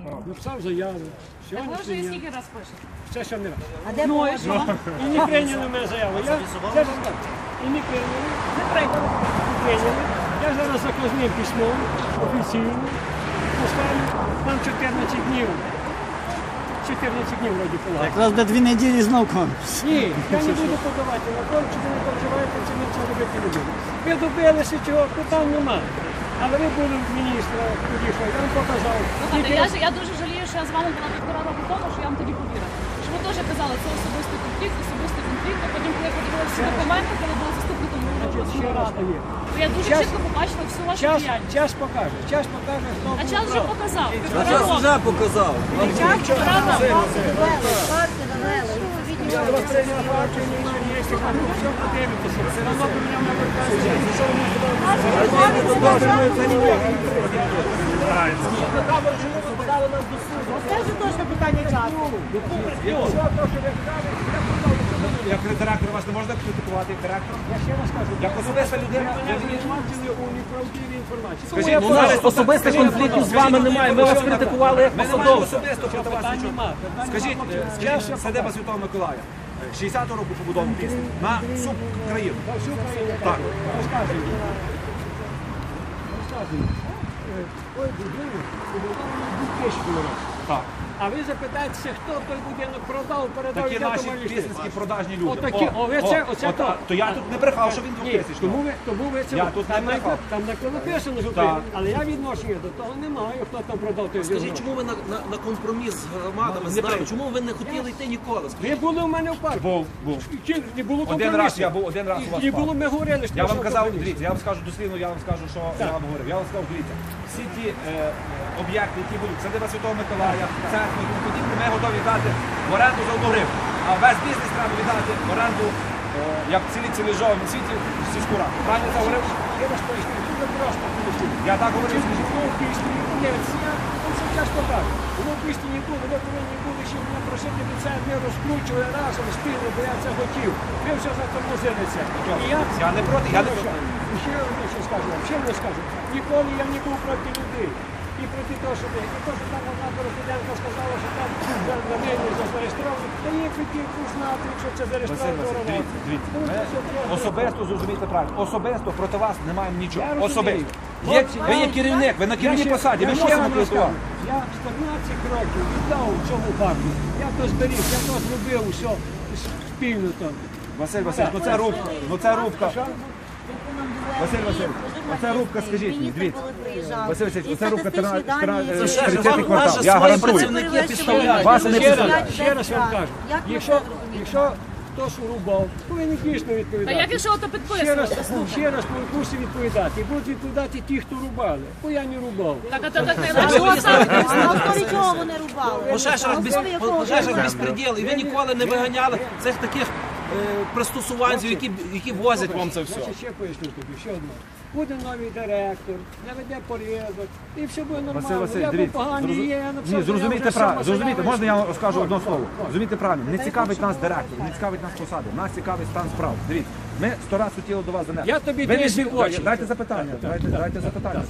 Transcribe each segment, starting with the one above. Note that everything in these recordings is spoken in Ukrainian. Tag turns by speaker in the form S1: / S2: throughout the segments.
S1: Написав заяву.
S2: Так ви вже її скільки раз пишете?
S1: Це ще не раз.
S2: А де ну, і що?
S1: І не прийняли мене заяву. І не прийняли. Я зараз заказним письмом офіційно поставлю. Там 14 днів. 14 днів вроді подати.
S3: Якраз до 2 неділі знов конкурс.
S1: Ні, я не буду подавати на конкурс, ви не переживаєте, це ми це робити не будемо. Ви добилися чого, питань немає. Але ви були в міністра, тоді що, я вам показав.
S2: Слухайте, я дуже жалію, що я з вами була 1,5 року тому, що я вам тоді повірила. Що ви теж казали, це особистий конфлікт, а потім, коли я подивилася всі документи, коли була заступником
S1: Ще раз
S2: ради,
S1: є.
S2: то я дуже чітко побачила всю вашу діяльність.
S1: Час покаже, хто
S2: А час вже показав.
S3: Час вже показав.
S1: Я вас прийняв партію, немає, все подивитися. Все одно ви мене
S4: Скажи точно питання часу.
S5: Як директор вас не можна критикувати як директор?
S1: Я ще раз кажу,
S5: Як особиста людина?
S1: мене звинувачили у неправдивій інформації.
S5: Скажіть,
S6: У нас особистих конфліктів з вами немає. Ми вас критикували як
S5: Ми не маємо
S6: посадовця.
S5: особисто проти вас
S1: Питань
S5: нічого.
S1: нема.
S5: Скажіть, садиба Святого Миколая, 60-го року побудований пісня, на всю країну. Так.
S1: Розказуйте. Ой, будинок побудований 2000 року.
S5: Так.
S1: А ви запитаєтеся, хто той будинок продав, передав
S5: Такі
S1: і де
S5: наші
S1: тому
S5: пісницькі продажні люди.
S1: Отакі, оце то.
S5: То я тут не брехав, що він
S1: Ні,
S5: 2000.
S1: тому ви це
S5: Я тут не брехав.
S1: там написано, що
S5: Так.
S1: ви, але я відношення до того не маю, хто там продав той
S6: Скажіть,
S1: будинок.
S6: чому ви на компроміс з громадами, з нами, чому ви не хотіли йти ніколи?
S1: Ви були у мене в парку.
S5: Був.
S1: Не було
S5: Один раз я був, один раз у вас
S1: І
S5: в
S1: було,
S5: парку.
S1: ми говорили, що
S5: Я вам
S1: що
S5: казав,
S1: компроміс.
S5: дивіться, я вам скажу дослівно, я вам скажу, що я вам говорив. Я вам сказав, дивіться, всі ті об'єкти, які будуть садиба Святого Миколая, церкви і тому подібне, ми готові дати в оренду за 1 гривню. А весь бізнес треба віддати в оренду, як в цивілізованому світі, сільську раду. Правильно це говорив?
S1: Я вас поясню, дуже просто поясню.
S5: Я так говорив, скажіть.
S1: Воно в пісні, я це часто так. Воно в пісні не було, ви повинні були ще мене просити від це, ми розкручували разом спільно, бо я це хотів. Ви все затормозили це. І
S5: Я не проти, я не проти.
S1: І ще одне що скажу вам, ще не скажу. Ніколи я не був проти людей. І проти того, що там одна Дорохіденко сказала, що там на мені зареєстровано. Та є хотів знати, якщо це зареєстровано.
S5: Особисто зрозумійте правильно. Особисто проти вас не маємо нічого.
S1: Я розумію.
S5: Особисто.
S1: Хлопці,
S5: Ви є керівник, ви на керівній посаді, ви мусимо критикувати.
S1: Я 14 років віддав цьому парку. Я то зберіг, я то зробив усе спільно там.
S5: Василь Васильович, ну це рубка, Василь Васильович, оця рубка, скажіть мені, дивіться. Василь Васильович, оця рубка 30-й квартал, я гарантую.
S6: Працівники підставляють.
S5: Вас не підставляють.
S1: Ще раз вам кажу, якщо хтось рубав, повинен дійсно
S2: Та
S1: відповідати.
S2: як якщо ото
S1: Ще раз,
S2: підписувати?
S1: ще раз мусить відповідати. І будуть відповідати ті, хто рубали. Бо я не рубав.
S2: Так, а то так не
S4: На
S2: наш.
S4: основі чого вони рубали?
S6: Пожежах безпреділ, і ви ніколи не виганяли цих таких пристосуванців, які возять вам це все.
S1: Значить, ще поясню тобі, ще одне. Буде новий директор, наведе порядок, і все буде
S5: Василь
S1: нормально.
S5: Васильович,
S1: Я був
S5: дивіться,
S1: поганий, є, я написав,
S5: ні, зрозумійте
S1: я вже
S5: правильно,
S1: сам
S5: зрозумійте,
S1: заявив,
S5: можна я
S1: що-
S5: скажу одне слово? Зрозумійте правильно, не цікавить нас директор, не цікавить нас посади, нас цікавить стан справ. Дивіться, ми 100 разів хотіли до вас занести.
S1: Я тобі
S5: Ви не
S1: дивлюсь в
S5: звідки-
S1: очі.
S5: Дайте запитання, дайте запитання.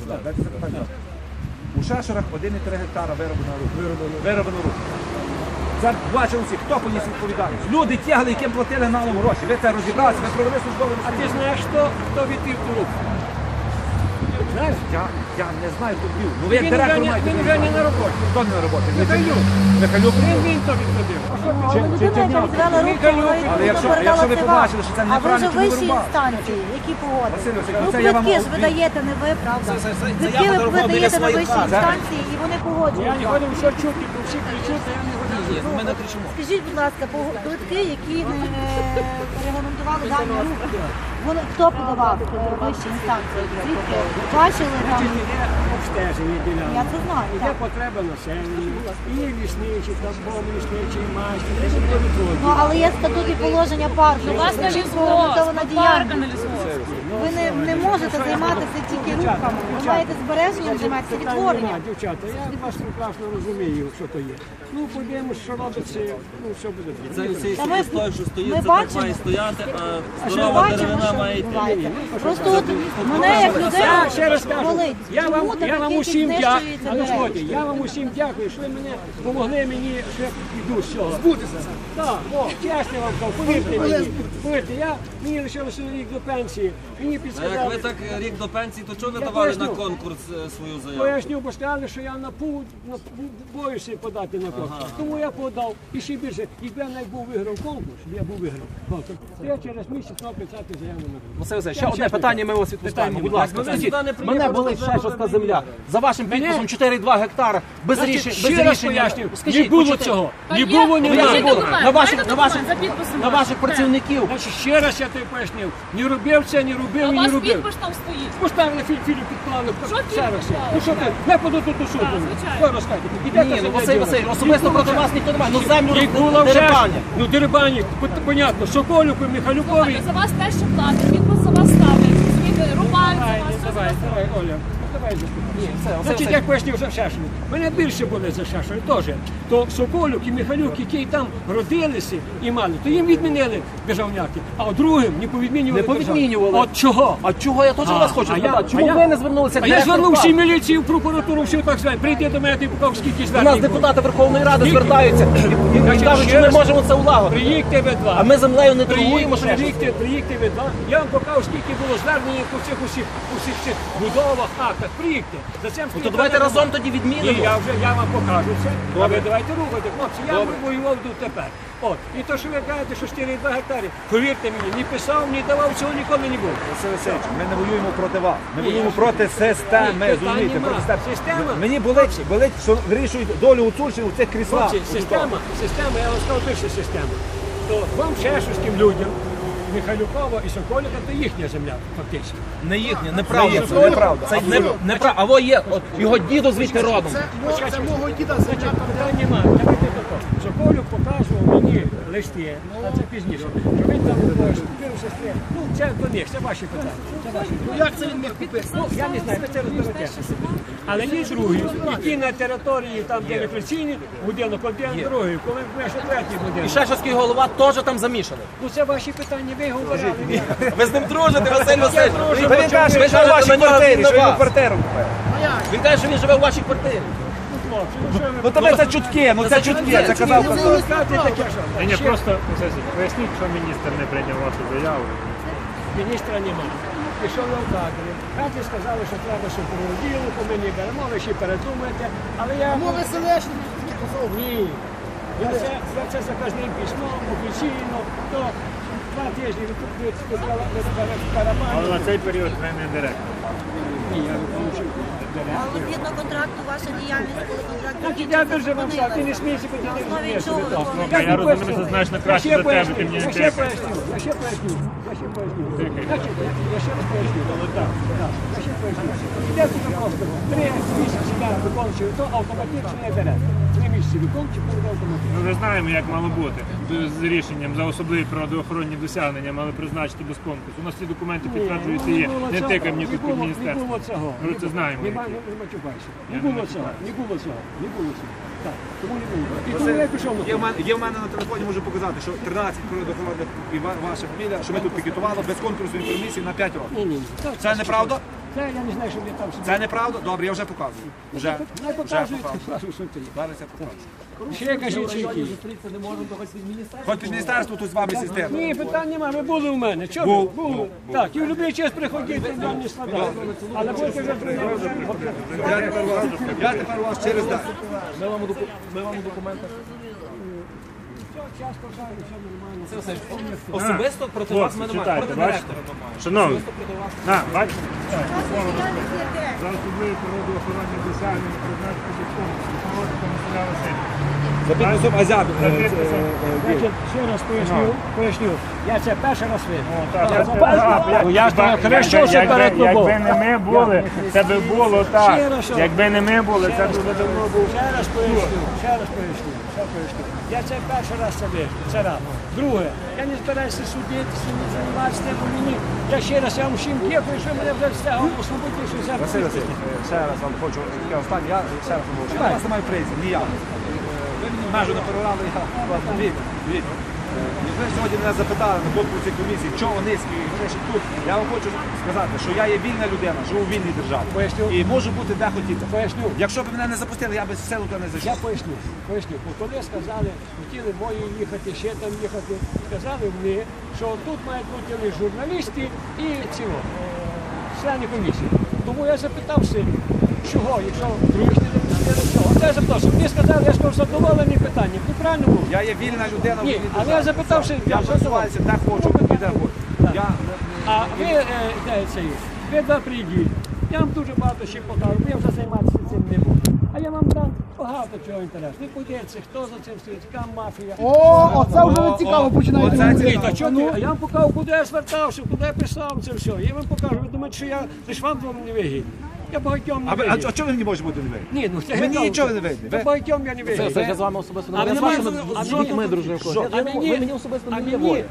S5: У Шешерах 1,3 гектара вироблено рук. Це бачили всі, хто поніс відповідальність. Люди тягли, яким платили налом гроші. Ви це розібралися, ви провели службове
S1: А ти
S5: розслідування.
S1: знаєш, хто відвів ту руку? Знаєш?
S5: Я не знаю, хто бив. Ну ви як директор маєте.
S1: Він вже не на роботі.
S5: Хто не на роботі?
S1: Михайлюк.
S5: Михайлюк?
S1: Він то відходив. А що
S4: Але людина, яка відвела руку,
S5: Але якщо ви побачили, що це
S4: а ви вже
S5: неправильно, чому ви
S4: вищі
S5: рубали?
S4: інстанції, які погодили.
S5: Василь Васильович,
S4: Ну,
S5: це я вам
S4: квитки ж ви
S5: обвів.
S4: даєте, не ви, правда?
S6: Заява
S4: Квитки ви
S6: дорогого біля
S4: даєте на
S6: своїх
S4: вищі
S6: хат.
S4: інстанції, і вони
S1: Я не
S4: погоджуються.
S1: ходив, що чути, бо всі кричуть, а я не ходив.
S6: Ми не кричимо.
S4: Скажіть, будь ласка, квитки, які не регламентували дані рухи, вони хто подавав вищі інстанції? Звідки? Бачили там?
S1: Є обстеження ділянки.
S4: Я це знаю,
S1: Є
S4: так.
S1: потреба населення, і є лісничі, там бом лісничий, майстер, і буде відводити.
S4: Ну, але є статут і положення парку.
S2: У вас на
S4: Чітко
S2: лісгосп,
S4: регламентована
S2: парк
S4: діяльність.
S2: на лісгосп.
S4: Ви не можете займатися тільки рухами. Ви маєте збереженням займатися відтворенням.
S1: Дівчата, я вас прекрасно розумію, що то є. Ну, подивимось, що робиться, ну, все буде добре.
S4: Та ми-
S7: Той, що стоїть,
S4: ми
S7: це так
S4: бачимо.
S7: має стояти, а
S4: Ми
S7: здорова
S4: бачимо,
S7: деревина
S4: що
S6: має йти.
S4: відбувається. Просто от мене як людина
S1: Я ще раз кажу,
S4: болить.
S1: я
S4: Чому
S1: вам
S4: такі
S1: усім дякую.
S4: знищуються
S1: А ну
S4: дерева?
S1: слухайте, я вам усім дякую, що ви мене допомогли мені, що я піду з цього. Збутися. Так, чесно вам кажу, повірте мені. Повірте, мені лишилося рік до пенсії. Мені
S6: А як ви
S1: підсказали.
S6: так рік до пенсії, то чого не
S1: Я
S6: давали на
S1: поясню.
S6: конкурс свою заяву?
S1: Поясню, бо сказали, що я боюся подати на конкурс. Тому я подав. І ще більше, якби я не був виграв конкурс, я був виграв конкурс, то я через місяць мав писати заяву на конкурс.
S5: Василь Васильович, ще одне питання, ми вас відпускаємо. Будь ласка,
S6: Ви
S5: скажіть,
S6: сюди не приїхали,
S5: мене болить
S6: то
S5: Шешовська земля. За вашим підписом 4,2 гектара, без
S1: Значить,
S5: рішення.
S1: ще раз поясню, не
S5: Скажіть,
S1: було
S5: почитайте.
S1: цього.
S2: Та
S1: Не
S2: є,
S1: було, ні
S2: є
S1: разу.
S2: документ,
S5: На
S2: є
S5: ваших
S2: документ за підписом
S5: на ваших працівників.
S1: Значить, ще раз я тобі пояснив. Не робив це, не
S2: А
S1: робив
S2: у
S1: і не
S2: вас
S1: робив.
S2: підпис там стоїть.
S1: Поставили фільм підклали.
S2: Що
S1: Ще
S2: фільм
S1: раз.
S2: підклали?
S1: Ну що ти, не подаю тут до суду.
S2: звичайно.
S1: Що розказати? Ідете
S5: Ні, ну
S1: себе
S5: Василь
S1: діло.
S5: Васильович, особисто
S1: Не було
S5: проти
S1: вже.
S5: вас ніхто немає. Ну землю
S1: Не було вже.
S5: дерибання.
S1: Ну дерибані, понятно, Соколюку, Михайлюкові.
S2: За вас те, що платить, підпис за вас ставить. Розумієте, рубають за вас. все
S1: Давай,
S2: за вас.
S1: давай, Оля. Давай заступи.
S5: все,
S1: Значить,
S5: все.
S1: як пояснив за Шешину. Мене більше були за Шешину теж. То Соколюк і Михайлюк, які там родилися і мали, то їм відмінили державняки, а от другим не повідмінювали.
S5: Не повідмінювали.
S1: От чого?
S5: А чого я теж вас хочу спитати? Чому ви не звернулися?
S1: А я звернувся в міліцію, в прокуратуру, все так звати. Прийди до мене, ти покажу, скільки
S5: У
S1: звернень
S5: нас
S1: було.
S5: депутати Верховної Ради звертаються і
S1: Значить,
S5: кажуть,
S1: ще
S5: що ми
S1: раз.
S5: можемо це улагодити.
S1: Приїдьте ви два.
S5: А ми землею не торгуємо ще.
S1: Приїдьте ви два. Я вам покажу, скільки було звернень по цих усіх будовах, актах. Приїдьте. За цим
S5: Ну то давайте разом тоді
S1: Ні,
S5: відмінимо.
S1: я вам покажу це. А ви давайте рухати, хлопці. Я воював тут тепер. От. І то, що ви кажете, що 4,2 гектари, повірте мені, ні писав, ні давав, цього ніколи не було.
S5: Василь Васильович, ми не воюємо проти вас. Ми воюємо проти системи.
S1: Ні, питань
S5: Розумієте,
S1: нема.
S5: проти системи.
S1: Система.
S5: Мені болить, що вирішують долю Гуцульщини у цих кріслах.
S1: Хлопці, система, я вам сказав, перша система. То вам шешівським людям, Михайлюкова і Соколіка, то їхня земля, фактично.
S6: Не їхня, неправда.
S5: Це неправда.
S6: Це неправда. А во є, от його дідо звідти родом.
S1: Значить, питань немає. Давайте тако. Соколюк показував мені листи, а це пізніше. Що він там купив сестри. Ну, це до них, це ваші питання. Це ваші питання.
S2: Як це він міг купити?
S1: Ну, я не знаю, ви це розберетеся. Але є другі, які на території, там, де рефлексійні, будинок один, другий, коли ви ще третій
S5: І
S1: будинок.
S5: Шешовський голова теж там замішаний.
S1: Ну, це ваші питання, ви говорили.
S5: Ви з ним дружите, Василь Васильович.
S1: дружу.
S5: Та він каже,
S6: Ви
S5: що живе в
S6: кажете,
S5: вашій
S6: на нього
S5: квартирі, що він
S6: винуват.
S5: квартиру купив.
S6: Він каже, що він живе в вашій квартирі.
S1: Хлопці, ну що ви?
S5: Ну тебе це чутки, це чутки, це казав.
S1: Ви розказуєте таке, що?
S7: Ні, просто поясніть, що міністр не прийняв вашу заяву.
S1: Міністра немає. Пішов я в кадри. Кадрі сказали, що треба, щоб перероділи, по мені беремо, ви ще передумаєте. Але я... Мови селешні. Ні. Я це заказним письмом, офіційно, то 2 тижні від
S7: Але
S1: барабану.
S7: на цей період ви не директор.
S1: Ні, я не получив.
S4: Але згідно контракту ваша діяльність, коли контракт
S1: Значить, я дуже вам сказав, ти не смійся, бо ти не розумієш.
S4: чого ви
S7: Слухай, я розумію, що значно краще за тебе, ти мені не
S1: Я ще
S7: директор.
S1: поясню. Значить, я ще раз поясню. Так, я ще поясню. Іде тут просто 3 місяці я викончую, то автоматично я директор. 3 місяці викончую, то автоматично.
S7: Ну, ми знаємо, як мало бути. З рішенням за особливі природоохоронні досягнення мали призначити без конкурсу. У нас ці документи підтверджують і є. Не тикай мені тут під
S1: Не
S7: міністерство.
S1: було цього.
S7: Ми це знаємо.
S1: Не
S7: які.
S1: матюкайся.
S7: Я
S1: Не
S7: не
S1: було цього.
S7: матюкаюся.
S1: Не було цього. Не було цього. Так, тому не було. І тому я пішов на
S5: Є в мене на телефоні, можу показати, що 13 природоохоронних і ваша фамілія, що ми тут пікетували без конкурсної комісії на 5 років.
S1: Ні. Так,
S5: Це неправда?
S1: Це я не знаю, що вони там собі.
S5: Це неправда? Добре, я вже показую. Вже
S1: Не показують,
S5: показую.
S1: покажу, що це є.
S5: Зараз я покажу.
S1: Ще кажіть, що які.
S5: Хоч під міністерство тут з вами система.
S1: Ні, питань немає, ви були у мене. Чого ви? Були. Так, і в будь-який час приходіть, нам не складає. Але будете вже
S5: Я тепер у вас через день.
S6: Ми вам у документах. Особисто проти вас
S7: Хлопці,
S6: ми немає.
S7: читайте,
S6: Проти
S7: бачите?
S6: директора немає.
S7: Шановні,
S6: Особисто проти вас.
S7: на, бачите? За особливі природоохоронні досягнення призначити без конкурсу. Проводити Василя Васильовича.
S5: За підписом Азяб.
S1: Значить, ще раз поясню. Я це перший раз видав.
S7: Ну,
S1: я ж то хорошо, що перед тобою.
S7: Якби не ми були, це би було так.
S1: Ще раз, що?
S7: Якби не ми були, це дуже давно був.
S1: Ще раз поясню. Я це перший раз це вижу. Це раз. Друге, я не збираюся судитися, не займатися тим, бо мені. Я ще раз я вам всім дякую, що мене вже стягом освободив, що зараз.
S5: Василь Васильович, ще раз вам хочу, я останній, я ще раз вам хочу. Я вас не маю прийти, ні я. Ви мені межу не переграли, я вас дві. Ви сьогодні мене запитали на конкурсі комісії, чого низькі і вони ще тут. Я вам хочу сказати, що я є вільна людина, живу в вільній державі.
S1: Поясню.
S5: І можу бути де хотіти.
S1: Поясню.
S5: Якщо б мене не запустили, я би з селу туди не
S1: Я
S5: зайшов.
S1: поясню. Бо коли сказали, хотіли мої їхати, ще там їхати, сказали мені, що тут мають бути лише журналісти і члени комісії. Тому я запитався, чого, якщо другі не чого. Це я запитався. Мені сказали, я сказав, задоволений питанням. Ти правильно був?
S5: Я є вільна людина в
S1: Ні,
S5: вільній
S1: але
S5: державі.
S1: я запитався,
S5: Я просуваюся, де хочу, і де хочу. Я
S1: А ви два прийдіть. Я вам дуже багато ще покажу, бо я вже займатися цим не буду. А я вам дам багато чого інтересного. Ви подивіться, хто за цим стоїть, яка мафія.
S3: Оце вже не цікаво починає.
S1: Та чого ти? А я вам покажу, куди я звертався, куди я писав це все. Я вам покажу, ви думаєте, що я лише вам двом не вигідний. Я багатьом не вигідний.
S5: А чого ви мені можете бути не вийти?
S1: Ні, ну це
S5: Мені
S1: я
S5: нічого
S1: кажу,
S5: не вийде.
S1: та
S5: Ви-
S1: багатьом я не вигідний.
S6: Я з вами особисто
S1: А
S6: не
S1: мені-
S6: з
S1: а
S6: дітьми
S1: мені-
S6: дружив.
S1: А мені
S6: воля.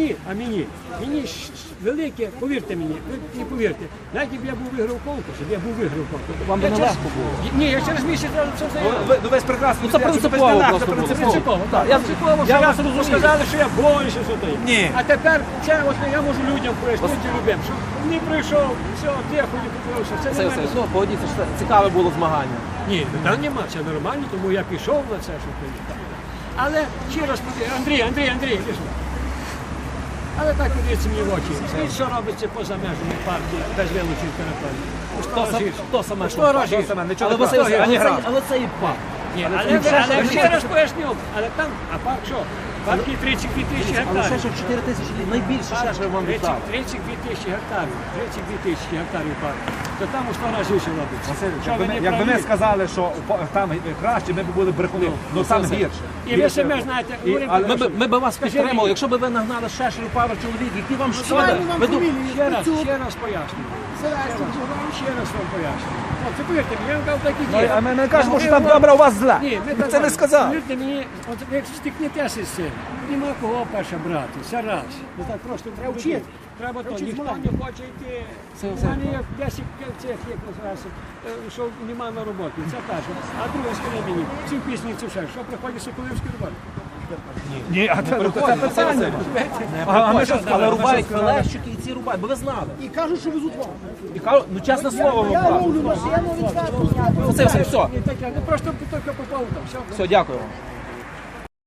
S1: мені велике, повірте мені, ви не повірте, навіть якби я був виграв конкурс,
S6: Вам би
S1: я
S6: нелегко
S1: через-
S6: було.
S1: Ні, я через місяць це заявив.
S5: Ви ж прекрасно.
S6: Ну, це принципово просто було.
S1: Принципово, так.
S6: Я
S1: Принципово, що
S6: вас
S1: я
S6: розумію.
S1: сказали, що я боюся, що то є.
S5: Ні.
S1: А тепер це от я можу людям пояснити любим, що не прийшов, все, тихо, не купився. Це
S6: Це
S1: не
S6: все,
S1: мене.
S6: ну, погодіться, що це цікаве було змагання.
S1: Ні, питань нема, це нормально, тому я пішов на це, що приїхав. Але ще раз подивіться, Андрій, іди сюди. Але так подивіться мені в очі. Скажіть, що робиться поза межами партії без вилучень території?
S6: Хто саме
S1: Хто рожить?
S5: Нічого
S6: Але
S5: не
S6: Василь,
S5: кажу.
S6: але це і пак.
S1: Ні, але ще раз поясню, але там, а парк що? Парк є 32 тисячі
S6: Але ще
S1: гектарів.
S6: ж 4 тисячі, найбільше ще ж вам віддав.
S1: 32 тисячі гектарів, 32 тисячі гектарів парку. То там у 100 разів ще робиться. Що ви не
S5: Якби ми
S1: праві?
S5: сказали, що там краще, ми б були брехуни. Ну там гірше.
S1: І ви самі знаєте, говорите,
S6: Ми б вас
S1: Скажи
S6: підтримали,
S1: мені.
S6: якщо б ви нагнали шешерів пару чоловік, які вам шкода. Ви
S1: ще раз пояснюю. Ще раз вам пояснюю. Це повірте, мені, я вам кажу, так і є.
S5: А ми кажемо, що там добре, а у вас зле.
S1: Ні, ми
S5: Це
S1: так
S5: не сказав.
S1: Повірте мені, от як стикнетеся з цим, нема кого перше брати, це раз. Ну так просто треба вчити. Треба то, ніхто не хоче йти. У мене є 10 цих, як називається, що нема на роботі, це перше. А друге, скажи мені, ці пісні, це все, що приходить Соколівський роботи?
S5: Ні, а це питання.
S6: Але рубають фелещики і ці рубають, бо ви знали.
S3: І кажуть, що везуть вам.
S6: І кажуть, ну чесне слово вам
S3: Я
S6: кажу.
S3: ловлю машину, відкатку.
S6: Це все.
S1: Ні, таке, ну просто тільки попав там, все.
S6: Все, дякую вам.